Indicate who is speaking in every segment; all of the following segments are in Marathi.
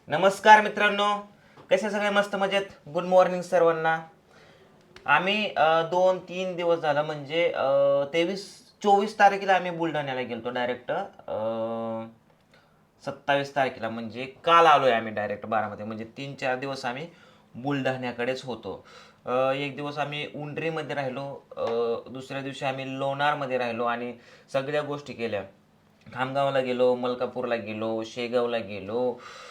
Speaker 1: नमस्कार मित्रांनो, कसे सगळे मस्त मजेत. गुड मॉर्निंग सर्वांना. आम्ही 2-3 दिवस झाला म्हणजे 23-24 तारखेला आम्ही बुलढाण्याला गेलतो डायरेक्ट. 27 तारखेला म्हणजे काल आलोय आम्ही डायरेक्ट बारामध्ये. म्हणजे 3-4 दिवस आम्ही बुलढाण्याकडेच होतो. एक दिवस आम्ही उंडरीमध्ये राहिलो, दुसऱ्या दिवशी आम्ही लोणारमध्ये राहिलो आणि सगळ्या गोष्टी केल्या. खामगावला गेलो, मलकापूरला गेलो, शेगावला गेलो,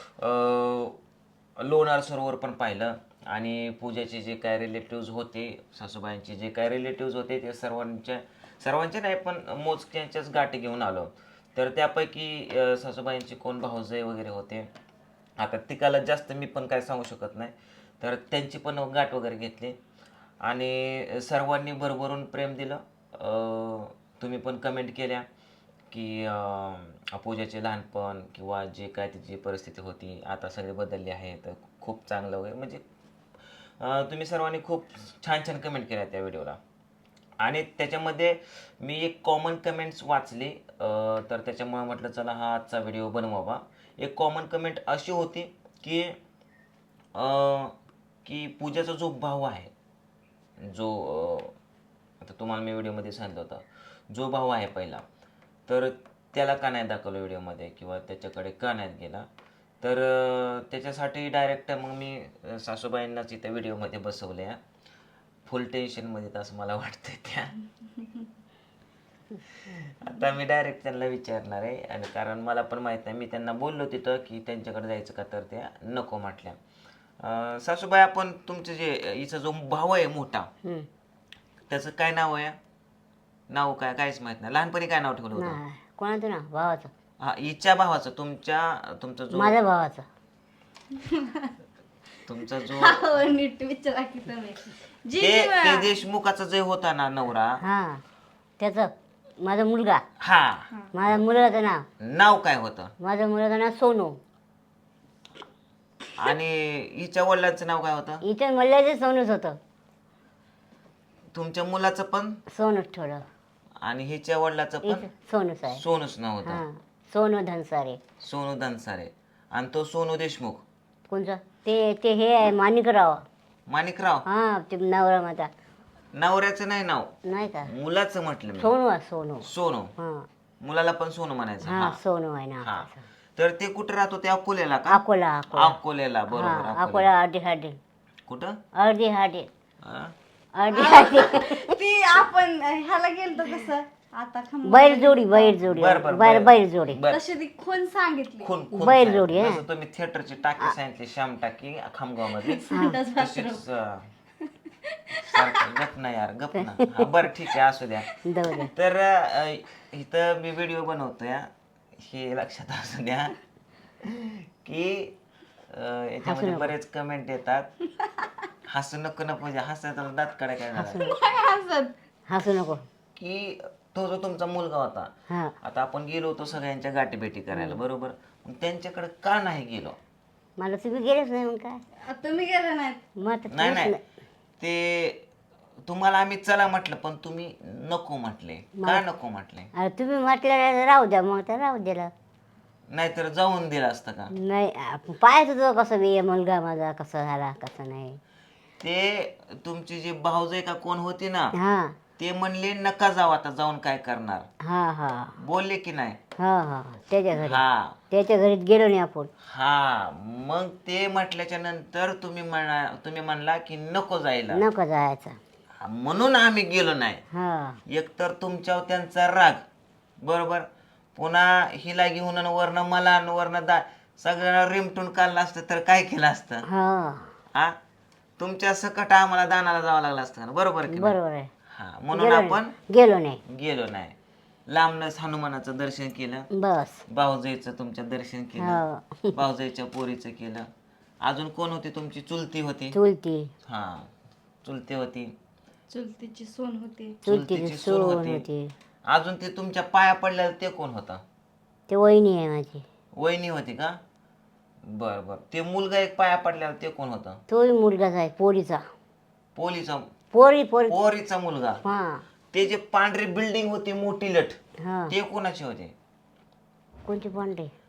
Speaker 1: लोणार सरोवर पण पाहिलं आणि पूजाचे जे काय रिलेटिव्ज होते, सासूबाईंचे जे काय रिलेटिव्ज होते ते सर्वांचे नाही पण मोजक्यांच्याच गाठी घेऊन आलो. तर त्यापैकी सासूबाईंचे कोण भाऊजय वगैरे होते. आता तिकाला जास्त मी पण काय सांगू शकत नाही. तर त्यांची पण गाठ वगैरे घेतली आणि सर्वांनी भरभरून प्रेम दिलं. तुम्ही पण कमेंट केल्या की पूजाचे लहानपण किंवा जे काय तिची परिस्थिती होती आता सगळे बदलले आहे, तर खूप चांगलं वगैरे म्हणजे तुम्ही सर्वांनी खूप छान छान कमेंट केल्या त्या व्हिडिओला. आणि त्याच्यामध्ये मी एक कॉमन कमेंट्स वाचली, तर त्याच्यामुळे म्हटलं चला हा आजचा व्हिडिओ बनवावा. एक कॉमन कमेंट अशी होती की की पूजाचा जो भाऊ आहे, जो आता तुम्हाला मी व्हिडिओमध्ये सांगितलं होतं, जो भाऊ आहे पहिला, तर त्याला का नाही दाखवलं व्हिडिओमध्ये किंवा त्याच्याकडे का नाही गेला. तर त्याच्यासाठी डायरेक्ट मग मी सासूबाईंनाच इथं व्हिडिओमध्ये बसवल्या फुल टेन्शनमध्ये, असं मला वाटतंय त्या. आता मी डायरेक्ट त्यांना विचारणार आहे आणि कारण मला पण माहीत नाही. मी त्यांना बोललो तिथं की त्यांच्याकडे जायचं का, तर त्या नको म्हटल्या. सासूबाई, आपण तुमचं जे हिचा जो भाऊ आहे मोठा, त्याचं काय नाव आहे? नाव काय काहीच माहित नाही. लहानपणी काय नाव ठेवलं होतं?
Speaker 2: कोणाचं ना भावाचं?
Speaker 1: हा, हिच्या भावाचं. तुमचा जो
Speaker 2: माझ्या भावाचं.
Speaker 1: तुमचा जो
Speaker 3: नीट विचारा की तुम्ही.
Speaker 1: ते देशमुखाचा जे होता ना नवरा,
Speaker 2: हा, त्याचं माझा मुलगा.
Speaker 1: हा,
Speaker 2: माझ्या मुलाचं नाव
Speaker 1: नाव काय होतं?
Speaker 2: माझ्या मुलाचं नाव सोनू.
Speaker 1: आणि हिच्या वडिलांचं नाव काय होतं?
Speaker 2: इथे मल्ल्याचे सोनूच होतं.
Speaker 1: तुमच्या मुलाचं पण
Speaker 2: सोनूच ठेवलं.
Speaker 1: आणि हिच्या वडिलाचं पण
Speaker 2: इथं सोनूच आहे.
Speaker 1: सोनूच नाव होतं.
Speaker 2: हा, सोनू धनसारे.
Speaker 1: सोनू धनसारे. आणि तो सोनू देशमुख
Speaker 2: कोणचं? ते ते हे आहे माणिकराव.
Speaker 1: माणिकराव.
Speaker 2: हा, ते नवरा माझा.
Speaker 1: नवऱ्याचं नाही नाव,
Speaker 2: नाही का?
Speaker 1: मुलाचं म्हटलं मी.
Speaker 2: सोनू आहे, सोनू.
Speaker 1: सोनू.
Speaker 2: हा
Speaker 1: मुलाला पण सोनू म्हणायचं.
Speaker 2: हा,
Speaker 1: हा,
Speaker 2: सोनू आहे ना.
Speaker 1: हा. तर ते कुठं राहतो? ते अकोल्याला का?
Speaker 2: अकोला. अकोला.
Speaker 1: अकोल्याला, बरोबर.
Speaker 2: हा,
Speaker 1: अकोला.
Speaker 2: अकोला. अर्धी हाडी.
Speaker 1: कुठं?
Speaker 2: अर्धी हाडी.
Speaker 1: हा?
Speaker 2: अर्धी हाडी.
Speaker 3: ती आपण ह्याला गेलतो कसं आता
Speaker 2: बैलजोडी. बैलजोडी.
Speaker 1: बर बर
Speaker 2: बैलजोडी.
Speaker 1: बर.
Speaker 3: तशी ती खून सांगितली.
Speaker 1: खून खून
Speaker 2: बैलजोडी,
Speaker 1: सांगितलं.
Speaker 2: हा.
Speaker 1: जसं तुम्ही थिएटरची टाकी सांगितली, श्याम टाकी खामगाव मध्ये,
Speaker 3: संडास
Speaker 1: तशीच गप ना यार, गप ना. हा, बरं ठीक आहे, असू द्या.
Speaker 2: जाऊ दे.
Speaker 1: तर इथं मी व्हिडिओ बनवतोय, हे लक्षात असू द्या की याच्यामध्ये बरेच कमेंट येतात. हसू नको ना पूजा, हसायचं दात काढा काय झालं
Speaker 3: हसत.
Speaker 2: हसू नको.
Speaker 1: की तो जो तुमचा मुलगा होता,
Speaker 2: हा,
Speaker 1: आता आपण गेलो होतो सगळ्यांच्या गाठीभेटी करायला, बरोबर. मग त्यांच्याकडे का नाही गेलो?
Speaker 2: मला तुम्ही गेलेच नाही मग काय?
Speaker 3: तुम्ही गेले नाहीत.
Speaker 2: मग आता
Speaker 1: नाही
Speaker 2: तुम्हीच
Speaker 1: नाही,
Speaker 2: नाही.
Speaker 1: ते तुम्हाला आम्ही चला म्हटलं पण तुम्ही नको म्हटले. का नको म्हटले?
Speaker 2: अरे तुम्ही म्हटलं राहू द्या, मग तर राहू दिलं.
Speaker 1: नाहीतर जाऊन दिलं असतं का?
Speaker 2: नाही, पाहायचं होतं कसं बी मुलगा माझा कसा झाला कसं नाही.
Speaker 1: ते तुमची जी भाऊजाई का कोण होती ना,
Speaker 2: हा
Speaker 1: ते म्हणले नका जाऊ, आता जाऊन काय करणार,
Speaker 2: हा हा
Speaker 1: बोलले की नाही?
Speaker 2: हा हा, त्याच्या घरी.
Speaker 1: हा
Speaker 2: त्याच्या घरीत गेलो नाही आपण.
Speaker 1: हा, मग ते म्हटल्याच्या नंतर तुम्ही म्हणला की नको जायला,
Speaker 2: नको जायचं.
Speaker 1: म्हणून आम्ही गेलो नाही.
Speaker 2: हा,
Speaker 1: एकतर तुमच्यावर त्यांचा राग, बरोबर, पुन्हा हिला घेऊन आणि वरनं मला आणि वरनं सगळ्यांना रिमटून काढलं असतं तर काय केलं असतं?
Speaker 2: हा,
Speaker 1: हा, तुमच्या सकट आम्हाला दानाला जावं लागलं असतं ना, बरोबर की नाही?
Speaker 2: बरोबर आहे.
Speaker 1: हा, म्हणून आपण
Speaker 2: गेलो नाही.
Speaker 1: गेलो नाही. लांबनच हनुमानाचं दर्शन केलं,
Speaker 2: बस.
Speaker 1: भाऊजाईचं तुमचं दर्शन केलं,
Speaker 2: हा,
Speaker 1: भाऊजाईच्या पोरीचं केलं. अजून कोण होती? तुमची चुलती होती.
Speaker 2: चुलती.
Speaker 1: हा, चुलती होती.
Speaker 3: चुलतीची सून होती.
Speaker 2: चुलतीची सून होती.
Speaker 1: अजून ते तुमच्या पाया पडलेलं ते कोण होता?
Speaker 2: ते वहिनी आहे माझी.
Speaker 1: वहिनी होती का? बर बर. ते मुलगा एक पाया पडलेला ते कोण होता?
Speaker 2: तोही मुलगाच आहे, पोरीचा.
Speaker 1: पोलीचा
Speaker 2: पोरी पोरी.
Speaker 1: पोरीचा मुलगा.
Speaker 2: हा
Speaker 1: ते जे पांढरी बिल्डिंग होती मोठी लट,
Speaker 2: हा.
Speaker 1: ते कोणाचे होते?
Speaker 2: कोणती पांढरी?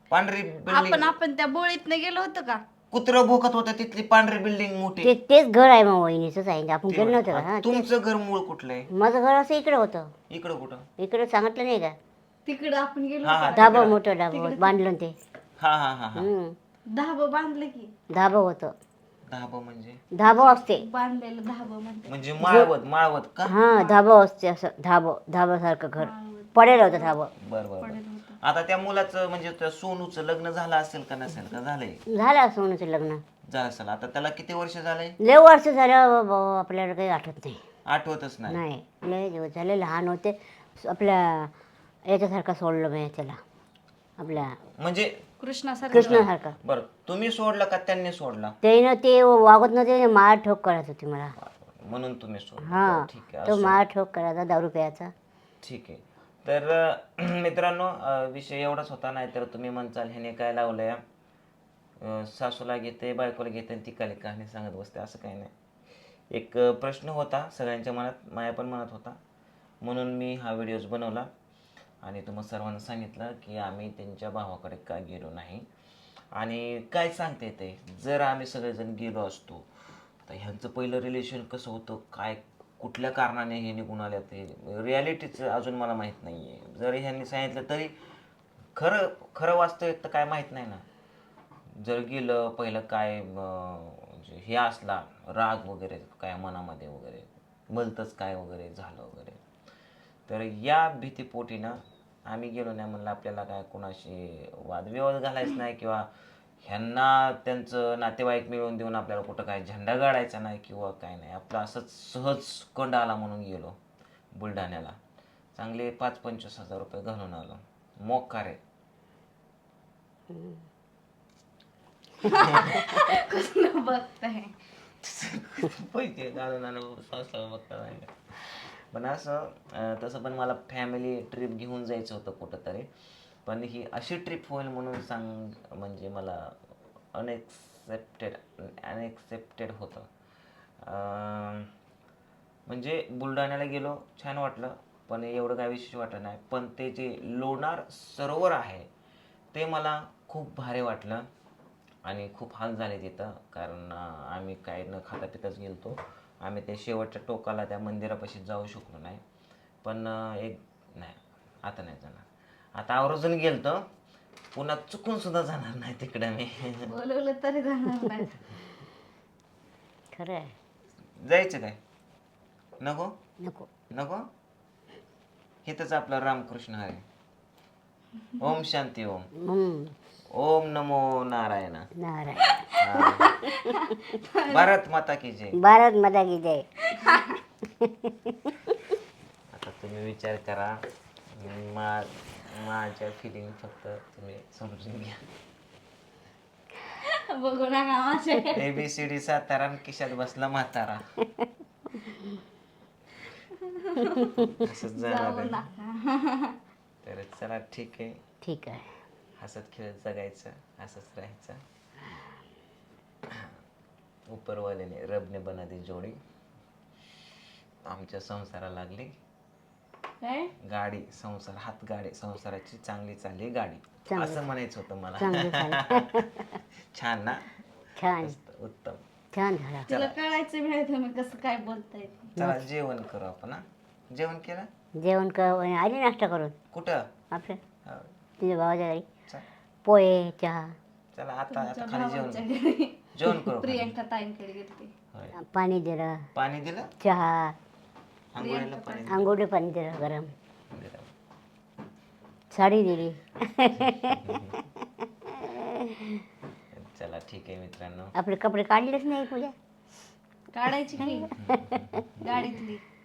Speaker 1: पांढरी बिल्डिंग
Speaker 3: आपण त्या बोळीत गेलो होतो का?
Speaker 1: कुत्र भोकत होतं तिथली पांढरी बिल्डिंग मोठी.
Speaker 2: तेच घर आहे मग वहिनीचंच आहे आपण गेलो नव्हतं का? हा
Speaker 1: तुमचं घर मूळ कुठलं आहे?
Speaker 2: माझं घर असं इकडं होतं.
Speaker 1: इकडं कुठं?
Speaker 2: इकडं सांगितलं नाही का?
Speaker 3: तिकडं आपण गेलो
Speaker 1: हा
Speaker 3: होतो.
Speaker 1: हा
Speaker 2: धाबा मोठं धाबा बांधलं ते.
Speaker 1: हा हा हा हा.
Speaker 3: धाबं बांधलं की
Speaker 2: धाबा होतं.
Speaker 1: धाबा म्हणजे
Speaker 2: धाबा असते.
Speaker 3: बांधलेलं धाबं म्हणते.
Speaker 1: म्हणजे माळवत का?
Speaker 2: हा धाबा असते असं धाबासारखं घर पडेल होतं धाबा.
Speaker 1: बर बर बर. आता त्या मुलाचं म्हणजे त्या सोनूचं लग्न झालं असेल का नसेल का? झालंय.
Speaker 2: झालं सोनूचं लग्न.
Speaker 1: झालं असेल. आता त्याला किती वर्ष झालंय?
Speaker 2: लय वर्ष झालं आपल्याला काही आठवत नाही.
Speaker 1: आठवतच नाही.
Speaker 2: नाही लय दिवस झाले लहान होते. आपल्या याच्यासारखा सोडलं मी त्याला आपल्या
Speaker 1: म्हणजे
Speaker 2: कृष्णासारखा.
Speaker 1: बर तुम्ही सोडला का त्यांनी सोडला?
Speaker 2: त्यानं ते वागत नव्हते मार ठोक करायचं होती मला.
Speaker 1: म्हणून तुम्ही सोडला.
Speaker 2: हा
Speaker 1: ठीक आहे.
Speaker 2: तो मार ठोक करायचा दारू प्यायचा.
Speaker 1: ठीक आहे. तर मित्रांनो विषय एवढाच होता. नाही तर तुम्ही म्हणचाल ह्याने काय लावलंय, सासूला घेते बायकोला घेते आणि ती काली कहाणी सांगत बसते. असं काही नाही. एक प्रश्न होता सगळ्यांच्या मनात, माया पण मनात होता, म्हणून मी हा व्हिडिओज बनवला आणि तुम्हाला सर्वांना सांगितलं की आम्ही त्यांच्या भावाकडे का गेलो नाही आणि काय सांगते ते जर आम्ही सगळेजण गेलो असतो. आता ह्यांचं पहिलं रिलेशन कसं होतं, काय कुठल्या कारणाने हे निघून आले, ते रिॲलिटीचं अजून मला माहीत नाही आहे. जरी ह्यांनी सांगितलं तरी खरं खरं वास्तविक तर काय माहीत नाही ना. जर गेलं पहिलं काय म्हणजे हे असला राग वगैरे काय मनामध्ये वगैरे भलतंच काय वगैरे झालं वगैरे, तर या भीतीपोटीनं आम्ही गेलो नाही. म्हणलं आपल्याला काय कोणाशी वादविवाद घालायचा नाही किंवा ह्यांना त्यांचं नातेवाईक मिळवून देऊन आपल्याला कुठं काय झेंडा गाडायचा नाही किंवा काय नाही. आपलं असंच सहज कंड आला म्हणून गेलो बुलढाण्याला. चांगले 5-25 हजार रुपये घालून आलो. मोकार आहे.
Speaker 3: कसं बघताय
Speaker 1: पैसे घालून आलो बघता नाही. पण असं तसं पण मला फॅमिली ट्रिप घेऊन जायचं होतं कुठं तरी. पण ही अशी ट्रिप होईल म्हणून म्हणजे मला अनएक्सेप्टेड होतं. म्हणजे बुलढाण्याला गेलो छान वाटलं पण एवढं काय विशेष वाटलं नाही. पण ते जे लोणार सरोवर आहे ते मला खूप भारी वाटलं आणि खूप हाल झाले तिथं. कारण आम्ही काय न खाता पिताच गेलतो. आम्ही ते शेवटच्या टोकाला त्या मंदिरापाशी जाऊ शकलो नाही. पण नाही आता नाही जाणार. आता आवर्जून गेलतो, पुन्हा चुकून सुद्धा जाणार नाही तिकडे मी.
Speaker 3: बोलवलं तरी जाणार नाही.
Speaker 2: खरं आहे.
Speaker 1: जायचं काय? नको
Speaker 2: नको
Speaker 1: नको. इथंच आपला रामकृष्ण हरी. ओम शांती ओम. ओम नमो नारायण. भारत माता की जय.
Speaker 2: भारत माता की जय.
Speaker 1: आता तुम्ही विचार करा. माझ्या फिलिंग फक्त तुम्ही समजून घ्या.
Speaker 3: बघू नका माझे.
Speaker 1: ABCD सातारा आणि खिशात बसला म्हातारा. असंच जाणार आहे. तर चला ठीक आहे.
Speaker 2: ठीक आहे.
Speaker 1: हसत खेळत जगायचं, असंच राहायचं. उपरवाल्याने रबने बना दी जोडी. आमच्या संसाराला लागली गाडी. संसार हातगाडी संसाराची चांगली चालली गाडी असं म्हणायचं होतं मला. छान ना.
Speaker 2: छान
Speaker 1: उत्तम
Speaker 2: छान झाला.
Speaker 3: तुला कळायचं मिळत तुम्ही कसं काय बोलताय.
Speaker 1: चला जेवण करू आपण. जेवण केलं?
Speaker 2: जेवण कर आली नाश्ता करून.
Speaker 1: कुठं?
Speaker 2: आपल्या
Speaker 1: हो.
Speaker 2: तुझ्या भावाच्या घरी पोहे चहा.
Speaker 1: चला आता खाली जेवण करू.
Speaker 3: प्रियंका ताईंकडे गेलते.
Speaker 2: पाणी दिलं.
Speaker 1: पाणी दिलं?
Speaker 2: चहा
Speaker 1: आंघोळीला पाणी
Speaker 2: आंघोळी पाणी दिलं गरम. साडी दिली.
Speaker 1: चला ठीक आहे मित्रांनो.
Speaker 2: आपले कपडे काढलेच नाही पूजा.
Speaker 3: काढायची की गाडीतली.